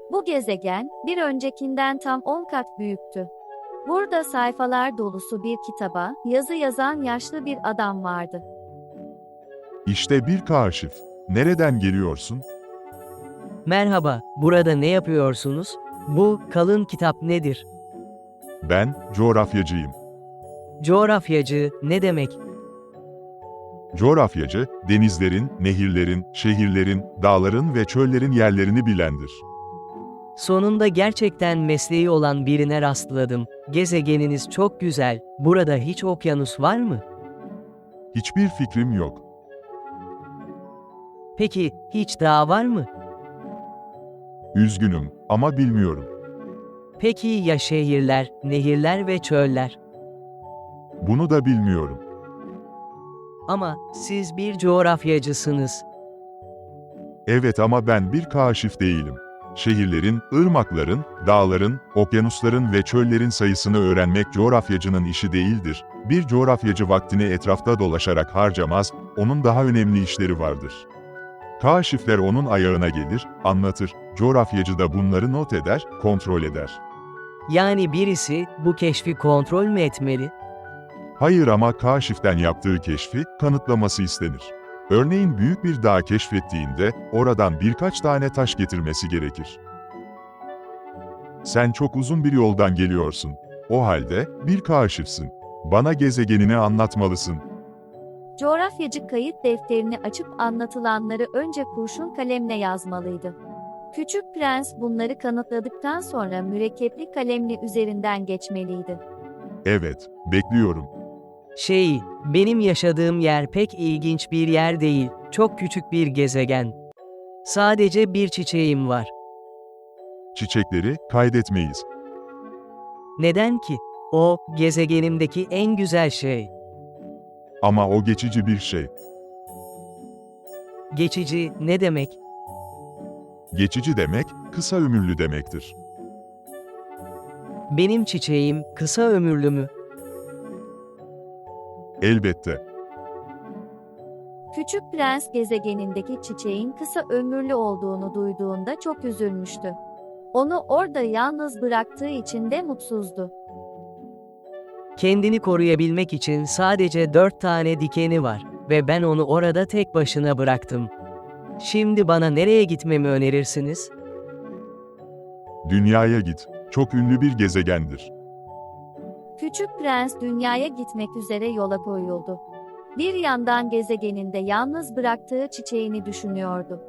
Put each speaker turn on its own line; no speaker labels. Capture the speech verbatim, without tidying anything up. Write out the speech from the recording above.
Bu gezegen, bir öncekinden tam on kat büyüktü. Burada sayfalar dolusu bir kitaba, yazı yazan yaşlı bir adam vardı.
İşte bir kaşif. Nereden geliyorsun?
Merhaba, burada ne yapıyorsunuz? Bu kalın kitap nedir?
Ben, coğrafyacıyım.
Coğrafyacı ne demek?
Coğrafyacı, denizlerin, nehirlerin, şehirlerin, dağların ve çöllerin yerlerini bilendir.
Sonunda gerçekten mesleği olan birine rastladım. Gezegeniniz çok güzel. Burada hiç okyanus var mı?
Hiçbir fikrim yok.
Peki, hiç dağ var mı?
Üzgünüm ama bilmiyorum.
Peki ya şehirler, nehirler ve çöller?
Bunu da bilmiyorum.
Ama siz bir coğrafyacısınız.
Evet ama ben bir kaşif değilim. Şehirlerin, ırmakların, dağların, okyanusların ve çöllerin sayısını öğrenmek coğrafyacının işi değildir. Bir coğrafyacı vaktini etrafta dolaşarak harcamaz, onun daha önemli işleri vardır. Kaşifler onun ayağına gelir, anlatır, coğrafyacı da bunları not eder, kontrol eder.
Yani birisi bu keşfi kontrol mü etmeli?
Hayır ama kaşiften yaptığı keşfi kanıtlaması istenir. Örneğin büyük bir dağ keşfettiğinde oradan birkaç tane taş getirmesi gerekir. Sen çok uzun bir yoldan geliyorsun. O halde bir kaşifsin. Bana gezegenini anlatmalısın.
Coğrafyacı kayıt defterini açıp anlatılanları önce kurşun kalemle yazmalıydı. Küçük prens bunları kanıtladıktan sonra mürekkepli kalemle üzerinden geçmeliydi.
Evet, bekliyorum.
Şey, benim yaşadığım yer pek ilginç bir yer değil. Çok küçük bir gezegen. Sadece bir çiçeğim var.
Çiçekleri kaydetmeyiz.
Neden ki? O, gezegenimdeki en güzel şey.
Ama o geçici bir şey.
Geçici ne demek?
Geçici demek, kısa ömürlü demektir.
Benim çiçeğim kısa ömürlü mü?
Elbette.
Küçük prens gezegenindeki çiçeğin kısa ömürlü olduğunu duyduğunda çok üzülmüştü. Onu orada yalnız bıraktığı için de mutsuzdu.
Kendini koruyabilmek için sadece dört tane dikeni var ve ben onu orada tek başına bıraktım. Şimdi bana nereye gitmemi önerirsiniz?
Dünyaya git. Çok ünlü bir gezegendir.
Küçük prens dünyaya gitmek üzere yola koyuldu. Bir yandan gezegeninde yalnız bıraktığı çiçeğini düşünüyordu.